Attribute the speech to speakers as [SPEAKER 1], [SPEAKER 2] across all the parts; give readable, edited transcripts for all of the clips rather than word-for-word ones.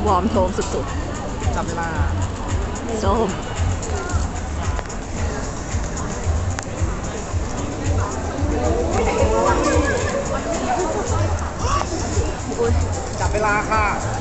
[SPEAKER 1] วอร์มโทมสุด
[SPEAKER 2] ๆจับเวลา
[SPEAKER 1] ๆส้ม
[SPEAKER 2] จับเวลาค่ะ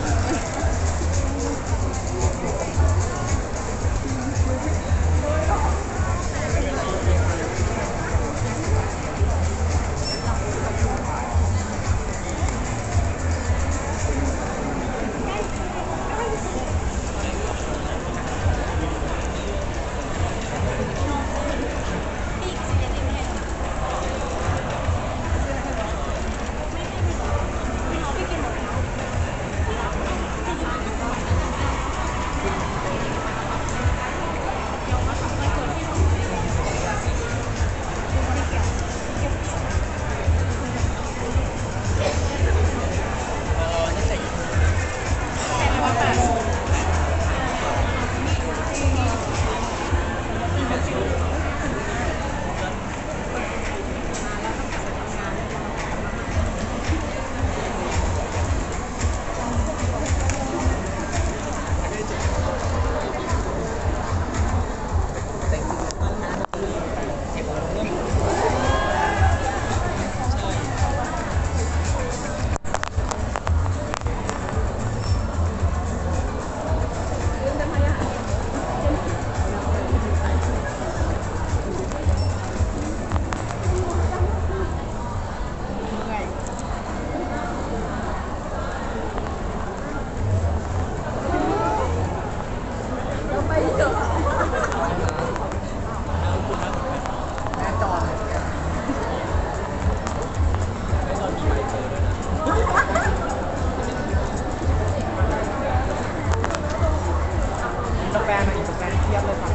[SPEAKER 2] แฟนอีกแฟนเทียบเลยค่ะ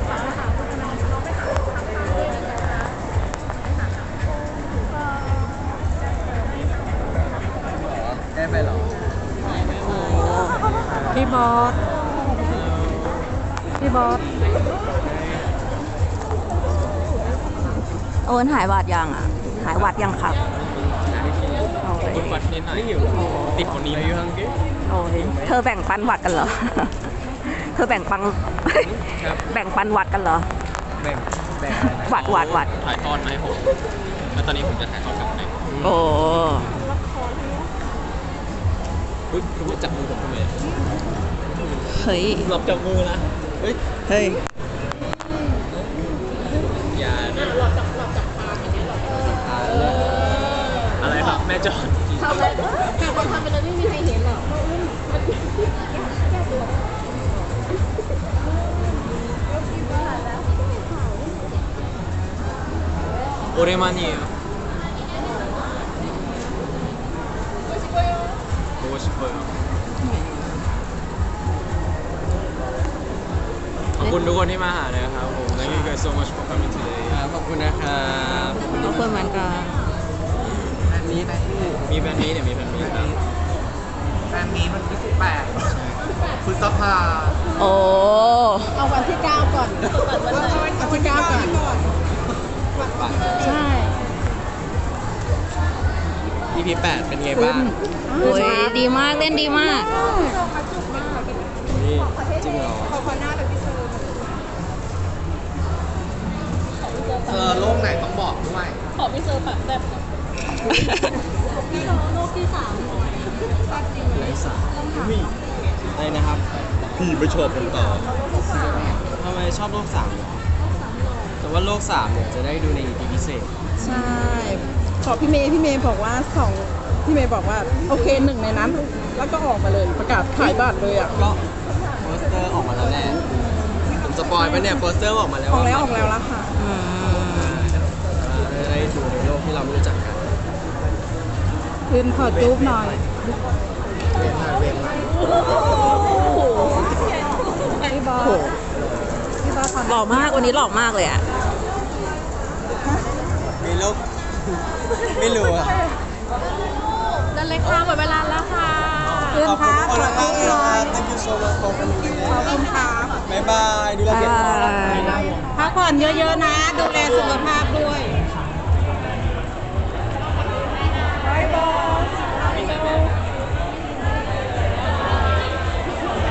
[SPEAKER 2] ได้ไหมหรอ
[SPEAKER 1] พี่บอสโอนหายหวัดยังอ่ะหายหวัดยังครับ
[SPEAKER 2] วัดนิดหน่อยติดคนนี้อยู่ทั้งที่
[SPEAKER 1] โอ้ยเธอแบ่งปันหวัดกันเหรอเธอแบ่งปันหวัดกันเหรอ
[SPEAKER 2] แบ่ง
[SPEAKER 1] หวัด
[SPEAKER 2] ถ่ายทอดมาให้ผมแล้วตอนนี้ผมจะถ่ายทอดกับไหน
[SPEAKER 1] โอ้
[SPEAKER 2] คุณจับมือผมทำไม
[SPEAKER 1] เฮ้ย
[SPEAKER 2] หลบจับมือนะเฮ้ยอย่าหลบจับอะไรครับแม่จอน
[SPEAKER 3] ทำเลยทำไปเลยไม่มีใครเห็นหรอก
[SPEAKER 2] 오랜만이에요. 보고 싶어요. ขอบคุณทุกคนที่มาหาเลยครับผม Thank you guys so much for coming today. ขอบคุณนะครับ
[SPEAKER 1] ขอบคุณเหมือนกัน
[SPEAKER 2] แฟนมีตมีแฟนมีตเนี่ยมีแฟนมีตครับแฟนมีตวันที่18พฤษภา
[SPEAKER 1] โอ้
[SPEAKER 3] เอาวันที่9ก่อนวันที่9ก่อน
[SPEAKER 1] ใช่
[SPEAKER 2] EP 8เป็นไงบ้าง
[SPEAKER 1] โอ้ยดีมากเล่นดีมาก
[SPEAKER 2] นี่จริงเหรอ
[SPEAKER 3] ขอหน้าแบบพี่
[SPEAKER 2] เซอร์โลกไหนต้องบอกด้วย
[SPEAKER 3] ขอพี่เซอร์แบบพี่โลกที่3
[SPEAKER 2] ไรสามอะไรนะครับพี่ไปชอบกันต่อทำไมชอบโลก3แต่ว่าโลก3เนี่ยจะได้ดูใน EP พิเศษ
[SPEAKER 3] ใช่ขอพี่เมย์บอกว่าพี่เมย์บอกว่าโอเค1ในนั้นแล้วก็ออกมาเลยประกาศขายบัตรเลยอ่ะ
[SPEAKER 2] ก็โปสเตอร์ออกมาแล้วแหละผมสปอยล์ไปเนี่ยโปสเตอร์ออกมาแล้ว
[SPEAKER 3] ออกแล้วละค่ะ
[SPEAKER 2] ได้ดูในโลกที่เรารู้จักกัน
[SPEAKER 3] คืนขอจูบหน่อย
[SPEAKER 2] เวนมา
[SPEAKER 3] พี่บอส
[SPEAKER 1] หล่อมากวันนี้หล่อมากเลยอ่ะ
[SPEAKER 2] มีโลกไม่รู้อ่ะ
[SPEAKER 3] นั่นเลยค่ะหมดเวลาแล้วค่ะเพื่อนพักขอบคุณค่ะ
[SPEAKER 2] Thank you so much for coming
[SPEAKER 3] ขอบคุณค่ะ
[SPEAKER 2] บ๊ายบายดูแลเก็บของ
[SPEAKER 3] พักผ่อนเยอะๆนะดูแลสุขภาพด้วยบายบาย